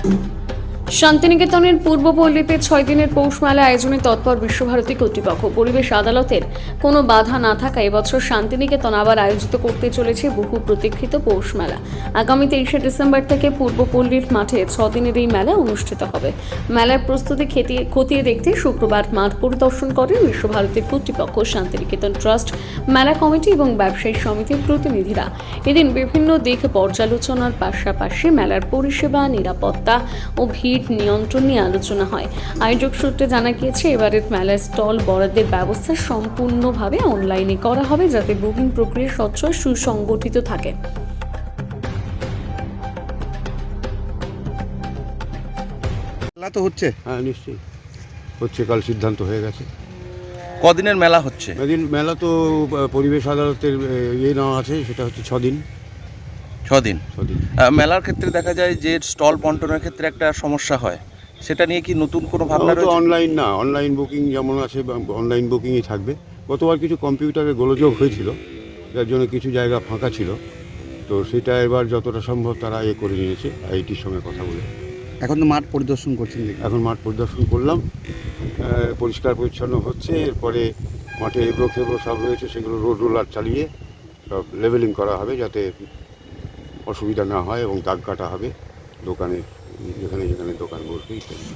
শান্তিনিকেতনের পূর্বপল্লীতে 6 দিনের পৌষ মেলা আয়োজনে তৎপর বিশ্বভারতী কর্তৃপক্ষ। পরিবেশ আদালতের কোনো বাধা না থাকায় এবছর শান্তিনিকেতন আবার আয়োজিত করতে চলেছে বহু প্রতীক্ষিত পৌষ মেলা। আগামী 23শে ডিসেম্বর থেকে পূর্বপল্লীর মাঠে 6 দিনের এই মেলা অনুষ্ঠিত হবে। মেলার প্রস্তুতি খতিয়ে দেখতে শুক্রবার মাঠ পরিদর্শন করেন বিশ্বভারতীর কর্তৃপক্ষ, শান্তিনিকেতন ট্রাস্ট, মেলা কমিটি এবং ব্যবসায়ী সমিতির প্রতিনিধিরা। এদিন বিভিন্ন দিক পর্যালোচনার পাশাপাশি মেলার পরিষেবা, নিরাপত্তা ও ভিড় নিয়ন্ত্রণ নিয়ে আলোচনা হয়। আয়োজক সূত্রে জানা গিয়েছে, এবারের মেলার স্টল বরাদ্দের ব্যবস্থা সম্পূর্ণভাবে অনলাইনে করা হবে, যাতে বুকিং প্রক্রিয়া স্বচ্ছ ও সুসংগঠিত থাকে। মেলা তো হচ্ছে। হ্যাঁ, নিশ্চয়ই হচ্ছে, কাল সিদ্ধান্ত হয়ে গেছে। কদিনের মেলা হচ্ছে? এদিন মেলা তো পরিবেশ আদালতের নেওয়া আছে, সেটা হচ্ছে 6 দিন। 6 দিন। মেলার ক্ষেত্রে দেখা যায় যে স্টল বন্টনের ক্ষেত্রে একটা সমস্যা হয়, সেটা নিয়ে কি নতুন কোনো ভাবনা তো রয়েছে? অনলাইন না, অনলাইন বুকিং যেমন আছে অনলাইন বুকিংই থাকবে। গতবার কিছু কম্পিউটারে গোলযোগ হয়েছিল, যার জন্য কিছু জায়গা ফাঁকা ছিল, তো সেটা এবার যতটা সম্ভব তারা করে নিয়েছে আইটির সঙ্গে কথা বলে। এখন তো মাঠ পরিদর্শন করছেন দেখি। এখন মাঠ পরিদর্শন করলাম, পরিষ্কার পরিচ্ছন্ন হচ্ছে। এরপরে মাঠে এবড়ো খেবড়ো সব রয়েছে, সেগুলো রোড রোলার চালিয়ে সব লেভেলিং করা হবে, যাতে অসুবিধা না হয়, এবং দাগ কাটা হবে দোকানে, যেখানে যেখানে দোকান বসবে ইত্যাদি।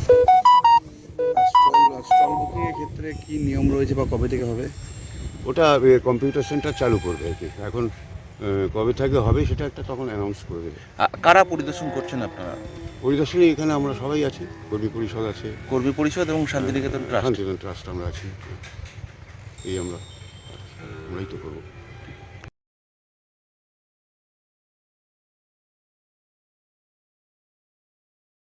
স্টল বুকিং এর ক্ষেত্রে কি নিয়ম রয়েছে বা কবে থেকে হবে? ওটা কম্পিউটার সেন্টার চালু করবে আর কি। এখন কবে থেকে হবে সেটা একটা তখন অ্যানাউন্স করে দেবে। কারা পরিদর্শন করছেন আপনারা? পরিদর্শনে এখানে আমরা সবাই আছি, কর্মী পরিষদ আছে, কর্মী পরিষদ এবং শান্তিনিকেতন ট্রাস্ট। শান্তিনিকেতন ট্রাস্ট আমরা আছি। আমরাই তো করবো।